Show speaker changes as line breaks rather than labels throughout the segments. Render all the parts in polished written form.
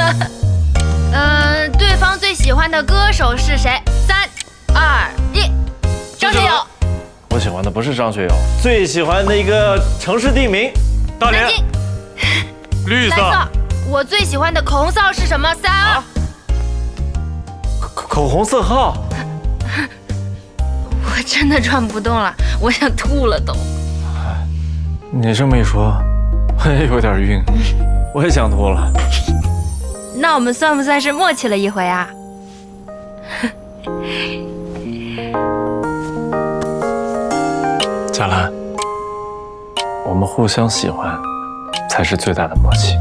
对方最喜欢的歌手是谁？3、2、1，张学友。
我喜欢的不是张学友，最喜欢的一个城市地名，大连。
绿色。
我最喜欢的口红色号是什么？3、
口红色号。
我真的转不动了，我想吐了都。
你这么一说，我也有点晕，我也想吐了。
那我们算不算是默契了一回啊？
佳兰，我们互相喜欢，才是最大的默契。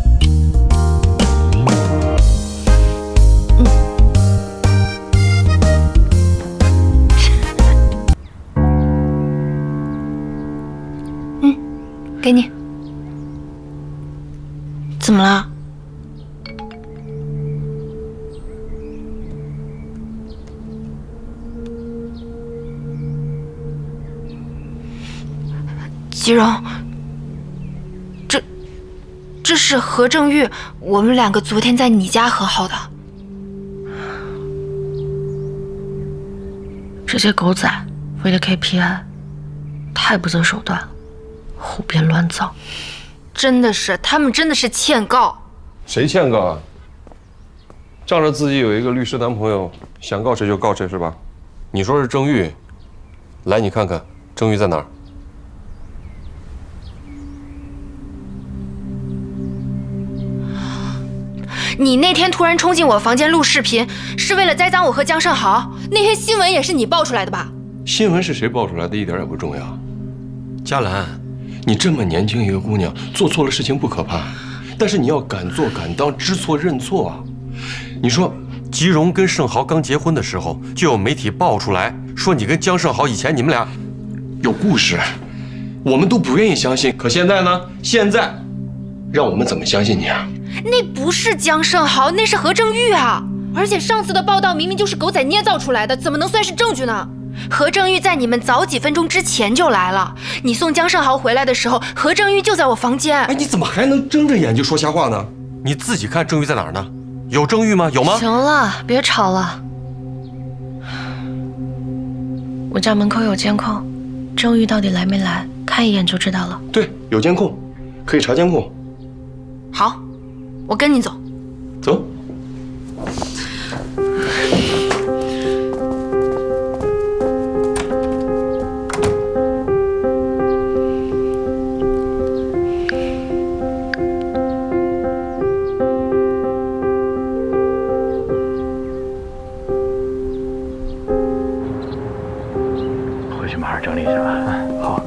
给你。怎么了？吉荣，这是何正玉，我们2个昨天在你家和好的。
这些狗仔为了 KPI， 太不择手段了，胡编乱造。
真的是，他们真的是欠告。
谁欠告啊？仗着自己有一个律师男朋友，想告谁就告谁是吧？你说是郑玉，来，你看看郑玉在哪儿？
你那天突然冲进我房间录视频，是为了栽赃我和江胜豪？那篇新闻也是你爆出来的吧？
新闻是谁爆出来的，一点也不重要。佳兰，你这么年轻一个姑娘，做错了事情不可怕，但是你要敢做敢当，知错认错啊！你说，吉荣跟盛豪刚结婚的时候，就有媒体爆出来说你跟江胜豪以前你们俩有故事，我们都不愿意相信。可现在呢？现在，让我们怎么相信你啊？
那不是江胜豪，那是何正玉啊！而且上次的报道明明就是狗仔捏造出来的，怎么能算是证据呢？何正玉在你们早几分钟之前就来了。你送江胜豪回来的时候，何正玉就在我房间。
哎，你怎么还能睁着眼就说瞎话呢？你自己看郑玉在哪儿呢？有郑玉吗？有吗？
行了，别吵了。我家门口有监控，郑玉到底来没来，看一眼就知道了。
对，有监控，可以查监控。
好，我跟你走。
走。
回去马上整理一下吧。好。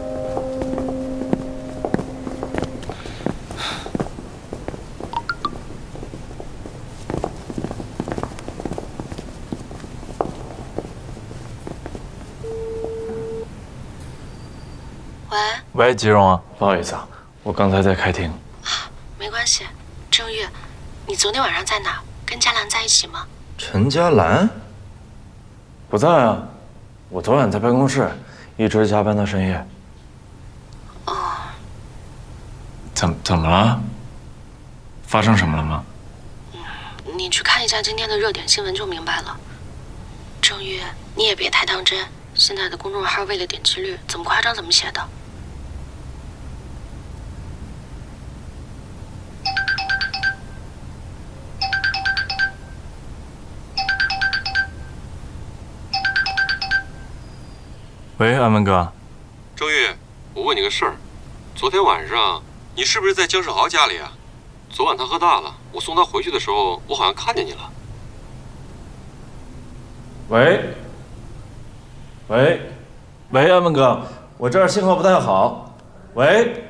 喂，吉荣啊，不好意思啊，我刚才在开庭。
没关系，郑玉，你昨天晚上在哪？跟佳兰在一起吗？
陈佳兰不在啊，我昨晚在办公室，一直加班到深夜。
哦，
怎么了？发生什么了吗？
你去看一下今天的热点新闻就明白了。郑玉，你也别太当真，现在的公众号为了点击率，怎么夸张怎么写的。
喂，安文哥。
郑玉，我问你个事儿，昨天晚上你是不是在江胜豪家里啊？昨晚他喝大了，我送他回去的时候，我好像看见你了。
喂，安文哥，我这儿信号不太好。喂。